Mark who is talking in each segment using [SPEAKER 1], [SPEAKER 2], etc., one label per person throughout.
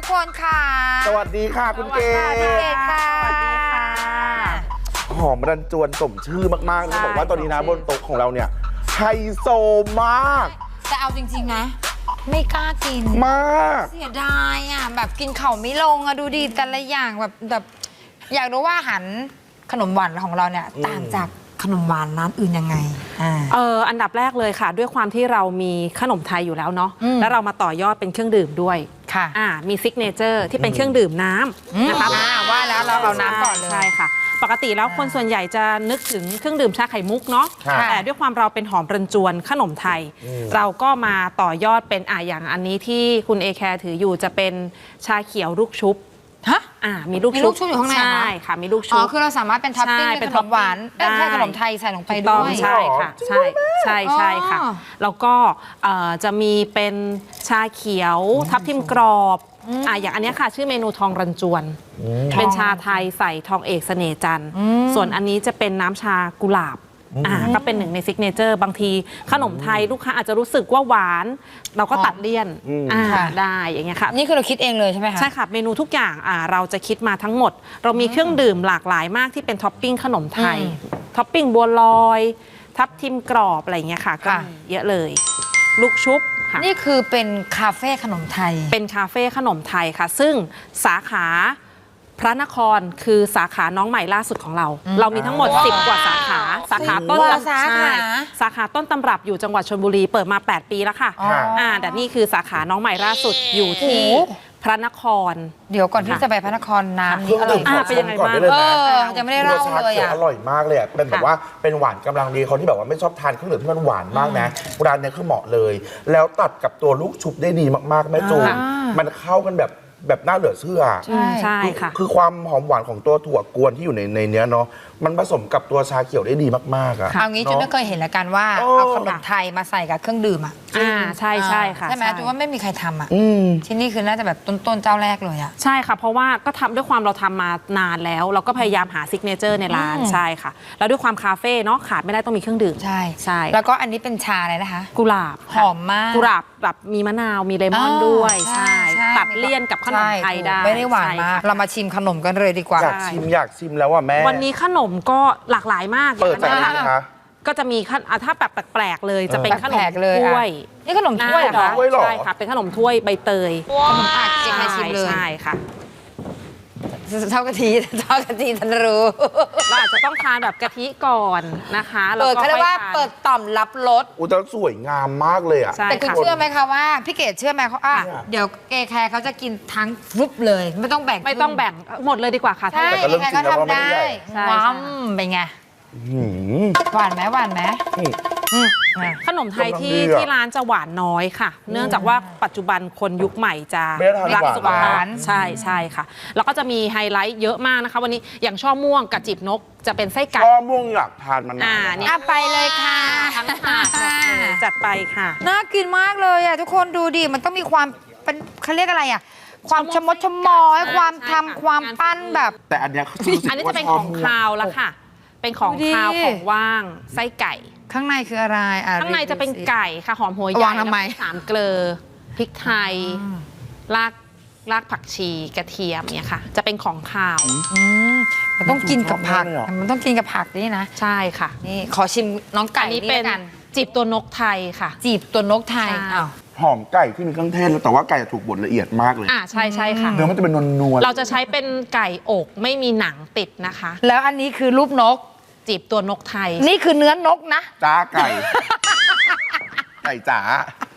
[SPEAKER 1] กคนค่ะ
[SPEAKER 2] สวัสดีค่ะคุณเกศ
[SPEAKER 1] พี่เกศค่ะสวัสดีค่ะ
[SPEAKER 2] หอมรันจวนสมชื่อมากๆเลยบอกว่าตอนนี้นะบนโต๊ะของเราเนี่ยไฮโซมาก
[SPEAKER 1] แต่เอาจริงๆนะไม่กล้ากิน
[SPEAKER 2] มาก
[SPEAKER 1] เสียดายอ่ะแบบกินเข่าไม่ลงอะดูดีแต่ละอย่างแบบอยากรู้ว่าอาหารขนมหวานของเราเนี่ยต่างจากขนมหวานร้านอื่นยังไง
[SPEAKER 3] อันดับแรกเลยค่ะด้วยความที่เรามีขนมไทยอยู่แล้วเนาะแล้วเรามาต่อยอดเป็นเครื่องดื่มด้วย
[SPEAKER 1] ค่ะ
[SPEAKER 3] มีซิกเนเจอร์ที่เป็นเครื่องดื่มน้ำนะคะ
[SPEAKER 1] ว่าแล้วเราเอาน้ำก่อนเลย
[SPEAKER 3] ใช่ค่ะปกติแล้วคนส่วนใหญ่จะนึกถึงเครื่องดื่มชาไข่มุกเนาะแต่ด้วยความเราเป็นหอมรันจวนขนมไทยเราก็มาต่อยอดเป็นอย่างอันนี้ที่คุณเอแคร์ถืออยู่จะเป็นชาเขียวลูกชุบ
[SPEAKER 1] ฮะ
[SPEAKER 3] มีลูกชุบ
[SPEAKER 1] อยู่ข้างใน
[SPEAKER 3] ใช่ค่ะมีลูกชุบ
[SPEAKER 1] คือเราสามารถเป็นท็อปปิ้งเป็นขนมหวานเป็นแค่ขนมไทยใส่ลงไปด้วย
[SPEAKER 3] ใช่ค่ะใช่ค่ะแล้วก็จะมีเป็นชาเขียวทับทิมกรอบอย่างอันนี้ค่ะชื่อเมนูทองรันจวนเป็นชาไทยใส่ทองเอกเสน่ห์จันทร์ส่วนอันนี้จะเป็นน้ำชากุหลาบก็เป็นหนึ่งในซิกเนเจอร์บางทีขนมไทยลูกค้าอาจจะรู้สึกว่าหวานเราก็ตัดเลี่ยนได้อย่างเงี้ยค่ะ
[SPEAKER 1] นี่คือเราคิดเองเลยใช่ไหมคะ
[SPEAKER 3] ใช่ค่ะเมนูทุกอย่างเราจะคิดมาทั้งหมดเรามีเครื่องดื่มหลากหลายมากที่เป็นท็อปปิ้งขนมไทยท็อปปิ้งบัวลอยทับทิมกรอบอะไรเงี้ยค่ะก็เยอะเลยลูกชุบ
[SPEAKER 1] นี่คือเป็นคาเฟ่ขนมไทย
[SPEAKER 3] เป็นคาเฟ่ขนมไทยค่ะซึ่งสาขาพระนครคือสาขาน้องใหม่ล่าสุดของเราเรามีทั้งหมด10 กว่าสาขาสาขาต้นสาขาต้นตำรับอยู่จังหวัดชลบุรีเปิดมา8 ปีแล้วค่ะแต่นี่คือสาขาน้องใหม่ล่าสุดอยู่ที่พระนคร
[SPEAKER 1] เดี๋ยวก่อนที่จะไปพระนครน้ำนี่อร่อย
[SPEAKER 3] เป็นยังไงบ้าง
[SPEAKER 1] ยังไม่ได้เล่าเลย
[SPEAKER 2] อร่อยมากเลยเป็นแบบว่าเป็นหวานกำลังดีคนที่แบบว่าไม่ชอบทานเครื่องดื่มที่มันหวานมากนะร้านนี้คือเหมาะเลยแล้วตัดกับตัวลูกชุบได้ดีมากๆแม่จูนมันเข้ากันแบบน่าเหลือเชื่อ
[SPEAKER 3] ใช่ค่ะ
[SPEAKER 2] คือความหอมหวานของตัวถั่วกวนที่อยู่ในเนี้ยเนาะมันผสมกับตัวชาเขียวได้ดีมากๆอ่ะ
[SPEAKER 1] เอางี้จุ๊ไม่เคยเห็นละกันว่าเอาขนมไทยมาใส่กับเครื่องดื่ม
[SPEAKER 3] ใช่ค่ะ
[SPEAKER 1] ใช่ไหมจุ๊ว่าไม่มีใครทำที่นี่คือน่าจะแบบต้นเจ้าแรกเลย
[SPEAKER 3] ใช่ค่ะเพราะว่าก็ทำด้วยความเราทำมานานแล้วเราก็พยายามหาซิกเนเจอร์ในร้านใช่ค่ะแล้วด้วยความคาเฟ่เนาะขาดไม่ได้ต้องมีเครื่องดื่ม
[SPEAKER 1] ใช่แล้วก็อันนี้เป็นชาอะไรนะคะ
[SPEAKER 3] กุหลาบ
[SPEAKER 1] หอมมาก
[SPEAKER 3] กุหลาบแบบมีมะนาวมีเลมอนด้วยใช่ตัดเลี่ยนกับขนมไทยได้
[SPEAKER 1] ไม่ได้หวานมากเรามาชิมขนมกันเลยดีกว่า
[SPEAKER 2] อยากชิมแล้วว่าแม่
[SPEAKER 3] วันนี้ขนมก็หลากหลายมาก
[SPEAKER 2] เปิดจากไหนคะ
[SPEAKER 3] ก็จะมีถ้าแบบแปลกๆเลยจะเป็นขนมถ้วย
[SPEAKER 1] นี่ขนมถ้วยเหรอ
[SPEAKER 3] ใช่ค่ะเป็นขนมถ้วยใบเตย
[SPEAKER 1] ขนมอัดเจ๊ให้ชิมเลย
[SPEAKER 3] ใช่ค่ะ
[SPEAKER 1] เท่ากะทิฉันรู้
[SPEAKER 3] เราอาจจะต้องทานแบบกะทิก่อนนะคะ
[SPEAKER 1] เขาเรียกว่าเปิดต่อมรับรส
[SPEAKER 2] แต่สวยงามมากเลยอ่ะ
[SPEAKER 1] แต่คุณเชื่อไหมคะว่าพี่เกดเชื่อไหมเขาเดี๋ยวเอแคร์เขาจะกินทั้งฟุบเลยไม่ต้องแบ่ง
[SPEAKER 3] หมดเลยดีกว่าค่ะ
[SPEAKER 1] ใช่เอแคร์เขาทำได้ว้าวเป็นไงหวานไหม
[SPEAKER 3] ขนมไทยที่ร้านจะหวานน้อยค่ะเนื่องจากว่าปัจจุบันคนยุคใหม่จะรักสุขภาพใช่ค่ะแล้วก็จะมีไฮไลท์เยอะมากนะคะวันนี้อย่างช่อม่วงกับจีบนกจะเป็นไส้ไก่
[SPEAKER 2] ช่อม่วงอยากทานมัน
[SPEAKER 1] นี่ไปเลยค่ะ
[SPEAKER 3] ทั้งถาดจัดไปค่ะ
[SPEAKER 1] น่ากินมากเลยอ่ะทุกคนดูดิมันต้องมีความเป็นเขาเรียกอะไรอ่ะความชมดชมอยความทำความปั้นแบบ
[SPEAKER 2] แต่อันนี้
[SPEAKER 3] จะเป็นของคาวแล้วค่ะเป็นของคาวของว่างไส้ไก่
[SPEAKER 1] ข้างในคืออะไร
[SPEAKER 3] ข้างในจะเป็นไก่ค่ะหอมหัวใหญ่แล้ว3 เกลือพริกไทยรากผักชีกระเทียมเนี่ยค่ะจะเป็นของคาว
[SPEAKER 1] มันต้องกินกับผักนี่นะ
[SPEAKER 3] ใช่ค่ะ
[SPEAKER 1] นี่ขอชิมน้องไก่
[SPEAKER 3] นี่เป็นจีบตัวนกไทยค่ะ
[SPEAKER 1] จีบตัวนกไทย
[SPEAKER 2] หอมไก่ที่มีเครื่องเทศแต่ว่าไก่ถูกบดละเอียดมากเลย
[SPEAKER 3] ใช่ค่ะ
[SPEAKER 2] เนื้อมันจะเป็นนวล
[SPEAKER 3] เราจะใช้เป็นไก่อกไม่มีหนังติดนะคะ
[SPEAKER 1] แล้วอันนี้คือรูปนก
[SPEAKER 3] จีบตัวนกไทย
[SPEAKER 1] นี่คือเนื้อนกนะ
[SPEAKER 2] จ้าไก่จ๋า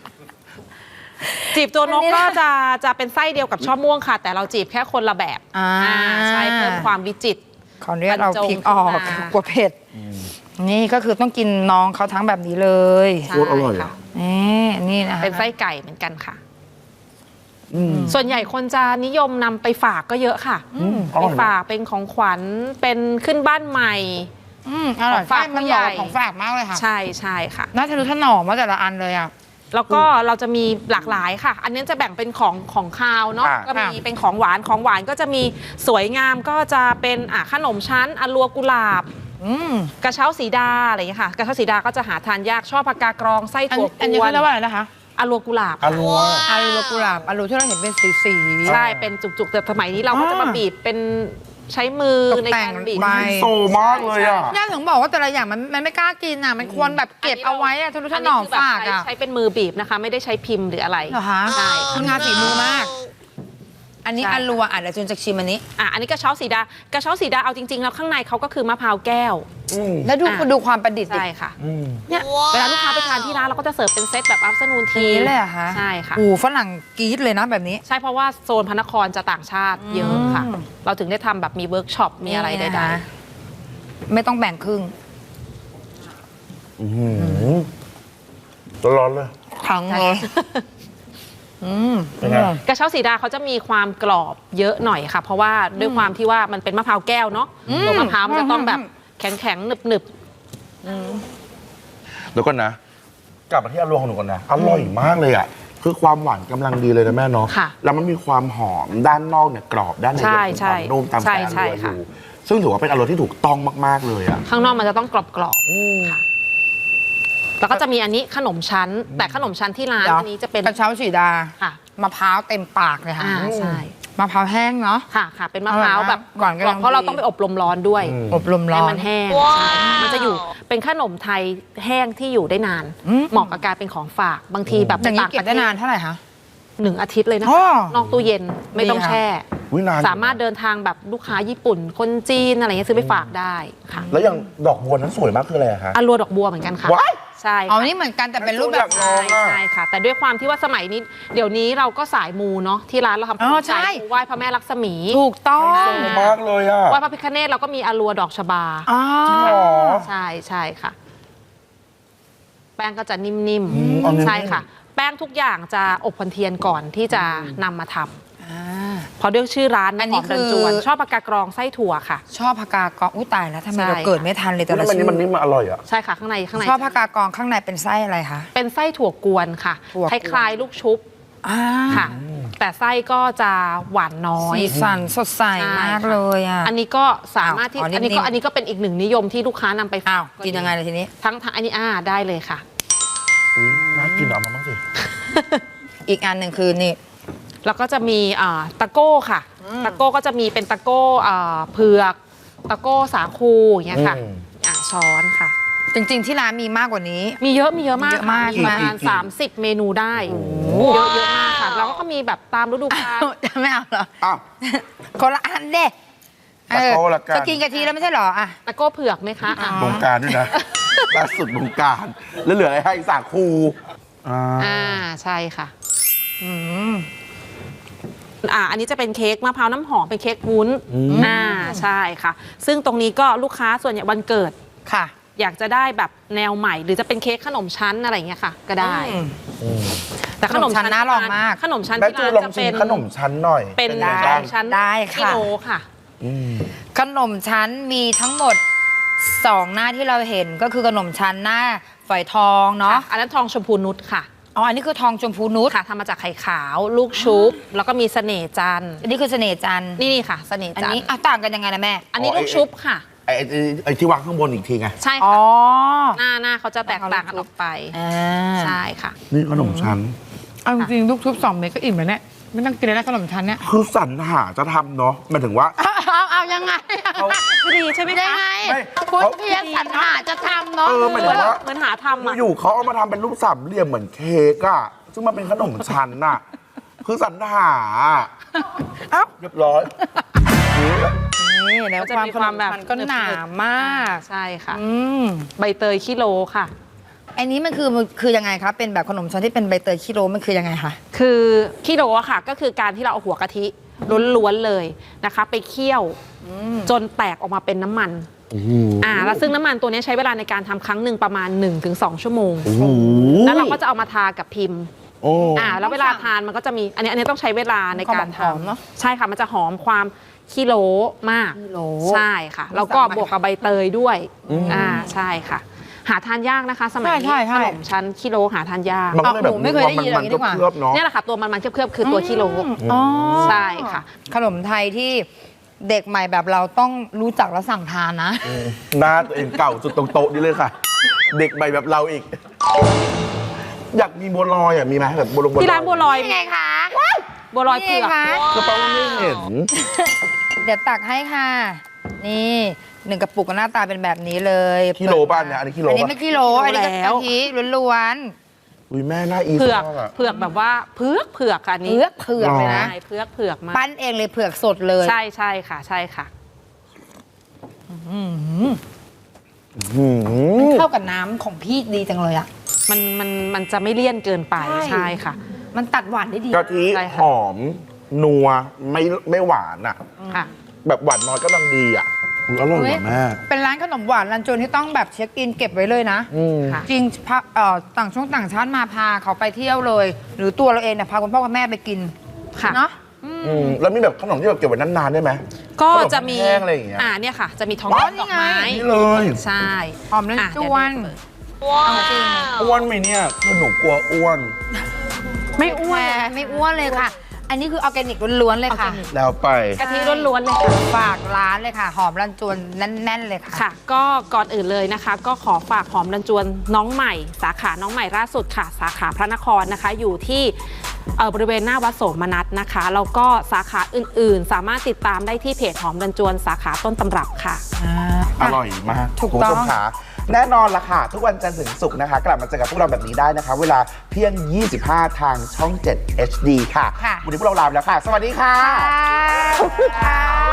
[SPEAKER 3] จีบตัวนกก็จะเป็นไส้เดียวกับช่อม่วงค่ะแต่เราจีบแค่คนละแบบใช่เพิ่มความวิจิตร
[SPEAKER 1] ขออนุญาตเราพริกออกกลัวเผ็ดนี่ก็คือต้องกินน้องเขาทั้งแบบนี้เลย
[SPEAKER 2] โคตรอร่อยค่ะ
[SPEAKER 1] นี่นะ
[SPEAKER 3] เป็นไส้ไก่เหมือนกันค่ะส่วนใหญ่คนจะนิยมนำไปฝากก็เยอะค่ะไปฝากเป็นของขวัญเป็นขึ้นบ้านใหม่
[SPEAKER 1] อร่อยฝากมันใหญ่ของฝากมากเลยค่ะ
[SPEAKER 3] ใช่ค่ะ
[SPEAKER 1] น่าจะรู้ถนอมว่าแต่ละอันเลยอ่ะ
[SPEAKER 3] แล้วก็เราจะมีหลากหลายค่ะอันนี้จะแบ่งเป็นของคาวเนาะก็มีเป็นของหวานก็จะมีสวยงามก็จะเป็นขนมชั้นอัลัวกุหลาบกระเช้าสีดาอะไรอย่างเงี้ยค่ะกระเช้าสีดาก็จะหาทานยากชอบผักกากรองไส้ถั่วกวน
[SPEAKER 1] อันนี้เรียกว่าอะไรนะคะ
[SPEAKER 3] อารัวกุหลาบ
[SPEAKER 2] อรัว
[SPEAKER 1] อารัวกุหลาบอารัวที่เราเห็นเป็นสี
[SPEAKER 3] ใช่เป็นจุกๆแต่สมัยนี้เราก็จะมาบีบเป็นใช้มือ
[SPEAKER 1] ตก
[SPEAKER 3] ใน
[SPEAKER 1] แต่
[SPEAKER 3] กาง รบีบ
[SPEAKER 1] ใบ
[SPEAKER 2] โซมากเลยอ่ะ
[SPEAKER 1] ย่าถึงบอกว่าแต่ละอย่างมันไม่กล้ากินอ่ะ มันควรแบบเก็บเอาไว้อ่ะทะนุถนอมฝากอ่ะ
[SPEAKER 3] ใช้เป็นมือบีบนะคะ ไม่ได้ใช้พิมพ์หรืออะไร
[SPEAKER 1] เหรอคะ
[SPEAKER 3] ใช่
[SPEAKER 1] คืองานฝีมือมาก อันนี้
[SPEAKER 3] ใช่
[SPEAKER 1] อารัวเดี๋ยวจูนจะชิมอันนี้
[SPEAKER 3] อันนี้กระเช้าสีดากระเช้าสีดาเอาจริงๆแล้วข้างในเขาก็คือมะพร้าวแก้ว
[SPEAKER 1] แล้วดูความประดิษฐ์ดิ
[SPEAKER 3] ใช่ค่ะเนี่ยเวลาลูกค้าไปทานที่ร้านเราก็จะเสิร์ฟเป็นเซตแบบอัฟเตอร์นูนที
[SPEAKER 1] นี้เลยเหรอคะ
[SPEAKER 3] ใช่ค่ะ
[SPEAKER 1] โอ้ฝรั่งกรี๊ดเลยนะแบบนี้
[SPEAKER 3] ใช่เพราะว่าโซนพระนครจะต่างชาติเยอะค่ะ เราถึงได้ทำแบบมีเวิร์กช็อปมีอะไร
[SPEAKER 1] นี่
[SPEAKER 3] ใด
[SPEAKER 1] นะคะไม่ต้องแบ่งครึ่ง
[SPEAKER 2] ร้อนเลย
[SPEAKER 1] ทั้งเลยม
[SPEAKER 2] เป็นไง
[SPEAKER 3] ๆกระเช้าสีดาเขาจะมีความกรอบเยอะหน่อยค่ะ เพราะว่าด้วยความที่ว่ามันเป็นมะพร้าวแก้วเนาะตัวมะพร้าวมันจะต้องแบบแข็งๆหนึบ
[SPEAKER 2] แล้วก็นะ กลับมาที่อรัวของหนูก่อนนะ อร่อยมากเลยอ่ะ คือความหวานกำลังดีเลยนะแม่เนาะ
[SPEAKER 3] ค่ะ
[SPEAKER 2] แล้วมันมีความหอมด้านนอกเนี่ยกรอบด้านใน
[SPEAKER 3] ใช่
[SPEAKER 2] ยังมีความนุ่มตาม
[SPEAKER 3] ใช่
[SPEAKER 2] แต่อ
[SPEAKER 3] ใช่
[SPEAKER 2] รัวอ
[SPEAKER 3] ค่ะ
[SPEAKER 2] ยู่ซึ่งถือว่าเป็นอรัวที่ถูกต้องมากๆเลยอ่ะ
[SPEAKER 3] ๆข้างนอกมันจะต้องกรอบๆค่ะแล้วก็จะมีอันนี้ขนมชั้น แต่ขนมชั้นที่ร้าน
[SPEAKER 1] เดี๋ยว
[SPEAKER 3] อันนี้จะเป็น
[SPEAKER 1] กระเช้าสีดา
[SPEAKER 3] ค่ะ
[SPEAKER 1] มะพร้าวเต็มปากเลยค่ะ
[SPEAKER 3] ใช่
[SPEAKER 1] มะพร้าวแห้งเนาะ
[SPEAKER 3] ค่ะ เป็นมะพร้าวแบบ
[SPEAKER 1] ก่อนกำลัง
[SPEAKER 3] เพราะเรา
[SPEAKER 1] ดี
[SPEAKER 3] ต้องไปอบลมร้อนด้วย
[SPEAKER 1] อบรมร้
[SPEAKER 3] ให้
[SPEAKER 1] อน
[SPEAKER 3] มันแห้งใช่มันจะอยู่เป็นขนมไทยแห้งที่อยู่ได้นาน เหมาะกับการเป็นของฝากบางทีแบบ
[SPEAKER 1] อย่างนี้
[SPEAKER 3] ต่าง
[SPEAKER 1] เก็
[SPEAKER 3] ป
[SPEAKER 1] บ
[SPEAKER 3] ระเท
[SPEAKER 1] ได้
[SPEAKER 3] ศ
[SPEAKER 1] นานเท่าไหร่คะ
[SPEAKER 3] 1 อาทิตย์เลยนะ
[SPEAKER 1] อ๋อ
[SPEAKER 3] นอกตู้เย็นไม่ต้อง
[SPEAKER 1] ดีค่ะ
[SPEAKER 3] แช่
[SPEAKER 2] อุ๊ยนานอยู่
[SPEAKER 3] สามารถเดินทางแบบลูกค้าญี่ปุ่น คนจีนอะไรเงี้ยซื้อไปฝากได้ค่ะ
[SPEAKER 2] แล้วอย่างดอกบัวนั้นสวยมากคืออะไรอะคะ
[SPEAKER 3] อารัวดอกบัวเหมือนกันค่ะ
[SPEAKER 2] ว้าย
[SPEAKER 3] ใช่
[SPEAKER 1] อ๋อ
[SPEAKER 3] ค่ะ
[SPEAKER 1] นี่เหมือนกันแต่เป็นรูปแบบ
[SPEAKER 2] ลองอะ
[SPEAKER 3] ใช่ค่ะ แต่ด้วยความที่ว่าสมัยนี้เดี๋ยวนี้เราก็สายมูเนาะที่ร้านเราทำ
[SPEAKER 1] อ๋อใช่
[SPEAKER 3] สายมูไหว้พระแม่ลักษมี
[SPEAKER 1] ถูกต้อง
[SPEAKER 2] สวยมากเลยอ่ะ
[SPEAKER 3] ไหว้พระพิฆเนศเราก็มีอารัวดอกชบา
[SPEAKER 1] อ๋อ
[SPEAKER 2] หรอ
[SPEAKER 3] ใช่ค่ะ แป้งก็จะนิ่ม
[SPEAKER 2] อ๋อนิ่มๆ
[SPEAKER 3] ใช่ค่ะ แป้งทุกอย่างจะอบพันเทียนก่อนที่จะนำมาทำเพราะด้วยชื่อร้าน
[SPEAKER 1] อันนี้
[SPEAKER 3] หมรัจวน
[SPEAKER 1] คือ
[SPEAKER 3] ชอบปากกากรองไส้ถั่วค่ะ
[SPEAKER 1] ชอบผักกากองอุ้ยตายแล้วทำไม
[SPEAKER 3] ใช่
[SPEAKER 1] เราเกิดไม่ทันเลยแต่
[SPEAKER 2] แล้
[SPEAKER 1] ละ
[SPEAKER 2] วมัน
[SPEAKER 1] ชื่
[SPEAKER 2] นี่
[SPEAKER 1] อ
[SPEAKER 2] มันนี่มันอร่อยอ่ะ
[SPEAKER 3] ใช่ค่ะข้างใน
[SPEAKER 1] ชอบผักกากองข้างในเป็นไส้อะไรคะ
[SPEAKER 3] เป็นไส้ถั่วกวนค่ะ
[SPEAKER 1] ถั่วก
[SPEAKER 3] ค
[SPEAKER 1] วน
[SPEAKER 3] ล้ายๆลูกชุบ
[SPEAKER 1] อ่า
[SPEAKER 3] ค่ะ แต่ไส้ก็จะหวานน้อย
[SPEAKER 1] สีสันสดใส
[SPEAKER 3] ใช่
[SPEAKER 1] มาก
[SPEAKER 3] ค่ะ
[SPEAKER 1] เลยอ่ะ
[SPEAKER 3] อันนี้ก็สามารถที่
[SPEAKER 1] อ๋อนิ่มๆ
[SPEAKER 3] อันนี้ก็เป็นอีกหนึ่งนิยมที่ลูกค้านำไปฝา
[SPEAKER 1] อ้าวกินยังไงเลยทีนี้
[SPEAKER 3] ทั้งอันนี้ได้เลยค่ะ
[SPEAKER 2] อุ้ยน่ากินเอามาบ้างสิ
[SPEAKER 1] อีกอันหนึ่งคือนี่
[SPEAKER 3] แล้วก็จะมีตะโก้ค่ะ ตะโก้ก็จะมีเป็นตะโก้เผือก ตะโก้สาคูอย่างเงี้ยค่ะ ช้อนค่ะ
[SPEAKER 1] จริงๆที่ร้านมีมากกว่านี้
[SPEAKER 3] มีเยอะมาก
[SPEAKER 1] เยอะมาก
[SPEAKER 3] ค่ะ
[SPEAKER 1] ใช่ไหม
[SPEAKER 3] ประมาณ30 เมนูได้เยอะมากค่ะแล้วก็มีแบบตามฤดูกาล
[SPEAKER 1] ไม่เอาเหรอ
[SPEAKER 2] อ้าว
[SPEAKER 1] คนละอันเด้
[SPEAKER 2] ตะโก้ละกัน
[SPEAKER 1] จะกินกะทิแล้วไม่ใช่เหรออ่ะ
[SPEAKER 3] ตะโก้เผือกไหมคะอ่ะ
[SPEAKER 2] บงการด้วยนะ ล่าสุดบงการ แล้วเหลืออะไรให้สาคู
[SPEAKER 3] ใช่ค่ะอันนี้จะเป็นเค้กมะพร้าวน้ำหอมเป็นเค้กวุ้นใช่ค่ะ ซึ่งตรงนี้ก็ลูกค้าส่วนใหญ่วันเกิด
[SPEAKER 1] ค่ะ
[SPEAKER 3] อยากจะได้แบบแนวใหม่ หรือจะเป็นเค้กขนมชั้นอะไรอย่างเงี้ยค่ะ ก็ได้ แต่ขนมชั้น
[SPEAKER 1] ขนมชั้นน่าลองมาก
[SPEAKER 3] ขนมชั้น
[SPEAKER 2] แม่
[SPEAKER 3] ที่
[SPEAKER 2] จู
[SPEAKER 3] ร้าน
[SPEAKER 2] ลอง
[SPEAKER 3] จะ
[SPEAKER 2] ชิ
[SPEAKER 3] เป็
[SPEAKER 2] ม
[SPEAKER 3] น
[SPEAKER 2] ขนมชั้นหน่อย
[SPEAKER 3] เป็น
[SPEAKER 2] ไง
[SPEAKER 3] ข
[SPEAKER 2] บ้าน ง
[SPEAKER 3] มชั้น
[SPEAKER 1] ได้ค่ะ
[SPEAKER 3] กิโลค่ะ
[SPEAKER 1] ขนมชั้นมีทั้งหมด 2 หน้าที่เราเห็นก็คือขนมชั้นหน้าฝอยทองเนาะ
[SPEAKER 3] อันนั้นทองชมพูนุชค่ะ
[SPEAKER 1] อ๋ออันนี้คือทองชมพูนุช
[SPEAKER 3] ค่ะทำมาจากไข่ขาวลูกชุบ แล้วก็มีเสน่ห์จันทร์
[SPEAKER 1] อันนี้คือเสน่ห์จันทร์
[SPEAKER 3] นี่ค่ะเสน่ห์
[SPEAKER 1] อัน
[SPEAKER 3] จันท
[SPEAKER 1] นี้
[SPEAKER 3] ร์
[SPEAKER 1] อ่ะต่างกันยังไงนะแม่
[SPEAKER 3] อันนี้ลูกชุบค่ะ
[SPEAKER 2] ไอ้ที่วางข้างบนอีกทีไง
[SPEAKER 3] ใช่
[SPEAKER 1] อ๋
[SPEAKER 3] ค่ะ
[SPEAKER 1] อ
[SPEAKER 3] หน้าเขาจะแตกต่างกันออกไป
[SPEAKER 1] อ่า
[SPEAKER 3] ใช่ค่ะ
[SPEAKER 2] นี่ขนมชั้น
[SPEAKER 4] เอาจริงๆลูกชุบ2 เม็ดก็อิ่มแล้วเนี่ยไม่ต้องกินแล้วนะขนมชั้นเนี่ย
[SPEAKER 2] คือสรรหาจะทำเนาะหมายถึงว่า
[SPEAKER 1] เอายังไง
[SPEAKER 2] เขา
[SPEAKER 3] ดีใช่ไหม
[SPEAKER 1] ได้
[SPEAKER 3] คะ
[SPEAKER 1] ไง
[SPEAKER 2] ไม่
[SPEAKER 1] คุณ
[SPEAKER 2] เขา
[SPEAKER 1] เพียรสรรหาจะทำเนาะ
[SPEAKER 2] หมายถึงว่า
[SPEAKER 3] เหมือนหาทำอ่ะ
[SPEAKER 2] อยู่ๆเขาเอามาทำเป็นรูปสามเหลี่ยมเหมือนเค้กอะซึ่งมันเป็นขนมชั้นน่ะ คือสรรหา
[SPEAKER 1] เอ้า
[SPEAKER 2] เรียบร้อย
[SPEAKER 1] นี่แล้ว
[SPEAKER 3] จะ
[SPEAKER 1] ความ
[SPEAKER 3] มี
[SPEAKER 1] ข
[SPEAKER 3] คน วาม
[SPEAKER 1] ม
[SPEAKER 3] แบบ
[SPEAKER 1] มันก็หนามาก
[SPEAKER 3] ใช่ค่ะ
[SPEAKER 1] อืม
[SPEAKER 3] ใบเตยขี้โลค่ะ
[SPEAKER 1] อันนี้มันคือยังไงคะเป็นแบบขนมชั้นที่เป็นใบเตยคิโลมันคือยังไงคะ
[SPEAKER 3] คือขี้โลอะค่ะ ก็คือการที่เราเอาหัวกะทิล้วนๆเลยนะคะ ไปเคี่ยวจนแตกออกมาเป็นน้ำมันแล้วซึ่งน้ำมันตัวนี้ใช้เวลาในการทำครั้งหนึ่งประมาณ 1-2 ชั่วโมง แล้วเราก็จะเอามาทากับพิมพ์
[SPEAKER 2] โอ้
[SPEAKER 3] แล้วเวลาทานมันก็จะมีอันนี้ต้องใช้เวลาในการ
[SPEAKER 1] หอมๆเนอะ
[SPEAKER 3] ใช่ค่ะ มันจะหอมความขี้โลมาก
[SPEAKER 1] ขี้โล
[SPEAKER 3] ใช่ค่ะ แล้วก็บวกกับใบเตยด้วยใช่ค่ะ หาทานยากนะคะ สมัยนี้
[SPEAKER 1] ใช่
[SPEAKER 3] ขนมชั้นขี้โลหาทานยาก
[SPEAKER 2] มันก็เลยแบบ
[SPEAKER 1] หนูไม่เคยได้ยินอย่างนี้ดีกว่า
[SPEAKER 2] เคลือบๆเนาะ
[SPEAKER 3] เนี่ยแหละค่ะตัวมันๆเคลือบๆคือตัวขี้โล
[SPEAKER 1] อ๋อ
[SPEAKER 3] ใช่ค่ะ
[SPEAKER 1] ขนมไทยที่เด็กใหม่แบบเราต้องรู้จักและสั่งทานนะ
[SPEAKER 2] หน้าตัวเองเก่าสุดตรงโต๊ะนี่เลยค่ะ เด็กใหม่แบบเราอีกอยากมีบัวลอยอ่ะมีไหมแบบบัวลอย
[SPEAKER 3] ที่ร้านบัวลอย
[SPEAKER 1] นี่ไงคะ
[SPEAKER 3] บัวลอยเผือก
[SPEAKER 1] นี่ไงคะ
[SPEAKER 2] กระเป๋าไม่เห็น
[SPEAKER 1] เดี๋ยวตักให้ค่ะ นี่1 กระปุกก็หน้าตาเป็นแบบนี้เลย
[SPEAKER 2] กิโลป่ะเนี่ยอันนี้กิโล
[SPEAKER 1] อันนี้
[SPEAKER 2] ป่ะ
[SPEAKER 1] ไม่กิโลอันนี้ก็กะทิล้วน
[SPEAKER 2] อุ้ยแม่น่าอี
[SPEAKER 3] เผือก
[SPEAKER 2] มากอะ
[SPEAKER 3] เผือกแบบว่าเผือกค่ะอัน
[SPEAKER 1] ๆ
[SPEAKER 3] นี้
[SPEAKER 1] เผือกเลยนะ
[SPEAKER 3] ใช่เผือกมาก
[SPEAKER 1] ปั้นเองเลยเผือกสดเลย
[SPEAKER 3] ใช่ใช่ค่ะ ใช่ค่ะ
[SPEAKER 2] หืม
[SPEAKER 1] เข้ากับน้ำของพี่ดีจังเลยอ่ะ
[SPEAKER 3] มันจะไม่เลี่ยนเกินไป
[SPEAKER 1] ใช่
[SPEAKER 3] ใช่ค่ะ
[SPEAKER 1] มันตัดหวานได้ดี
[SPEAKER 2] กะทิ
[SPEAKER 3] ใช่ค่ะ
[SPEAKER 2] หอมนัวไม่หวานอ่ะ
[SPEAKER 3] ค่ะ
[SPEAKER 2] แบบหวานน้อยก็กำลังดีอ่ะอุ๊ยอร่อย
[SPEAKER 1] เฮ้ย
[SPEAKER 2] ว่ะแม่
[SPEAKER 1] เป็นร้านขนมหวานรันจวนที่ต้องแบบเช็คอินเก็บไว้เลยนะ
[SPEAKER 2] อืม
[SPEAKER 3] ค่ะ
[SPEAKER 1] จริงต่างช่วงต่างชาติมาพาเขาไปเที่ยวเลย หรือตัวเราเองเนี่ยพาคุณพ่อคุณแม่ไปกิน
[SPEAKER 3] ค่ะ
[SPEAKER 1] เนาะ
[SPEAKER 2] แล้วมีแบบขนมที่แบบเก็บไว้นานๆได้ไหม
[SPEAKER 3] ก็จะมี
[SPEAKER 2] ขนมแห้งอะไรอย่างเงี้ย
[SPEAKER 3] เนี่ยค่ะ จะมีทอง
[SPEAKER 1] อ๋อ
[SPEAKER 3] แดงดอกไม้
[SPEAKER 1] นี่ไง
[SPEAKER 2] นี่เลย
[SPEAKER 3] ใช่
[SPEAKER 1] หอมรันจวน
[SPEAKER 3] เดี๋ย
[SPEAKER 1] เอาจริง
[SPEAKER 2] อ้วนไหมเนี่ยคือหนูกลัวอ้วน
[SPEAKER 3] ไม่อ้วน
[SPEAKER 1] แหมไม่อ้วนเลยค่ะ อันนี้คือออร์แกนิกล้วนๆเลยค่ะ
[SPEAKER 2] แล้วไป
[SPEAKER 3] กะทิล้วนๆเลยค่ะ
[SPEAKER 1] ฝากร้านเลยค่ะ หอมรันจวนแน่นๆเลยค่ะ
[SPEAKER 3] ค่ะ ก็ก่อนอื่นเลยนะคะ ก็ขอฝากหอมรันจวนน้องใหม่ สาขาน้องใหม่ล่าสุดค่ะ สาขาพระนครนะคะ อยู่ที่บริเวณหน้าวัดโสมนัสนะคะแล้วก็สาขาอื่นๆ สามารถติดตามได้ที่เพจหอมรันจวนสาขาต้นตำรับค่ะ
[SPEAKER 2] อร่อยมาก
[SPEAKER 1] ถูก
[SPEAKER 2] คุณผู้ชม
[SPEAKER 1] ต้อง
[SPEAKER 2] ขาแน่นอนละค่ะ ทุกวันจันทร์ถึงศุกร์นะคะ กลับมาเจอกับพวกเราแบบนี้ได้นะคะ เวลาเที่ยง 25 ทางช่อง 7 HD ค่ะ
[SPEAKER 1] ค่ะ
[SPEAKER 2] วันนี้พวกเราลาไปแล้วค่ะ สวัสดีค่ะ
[SPEAKER 1] ค่ะ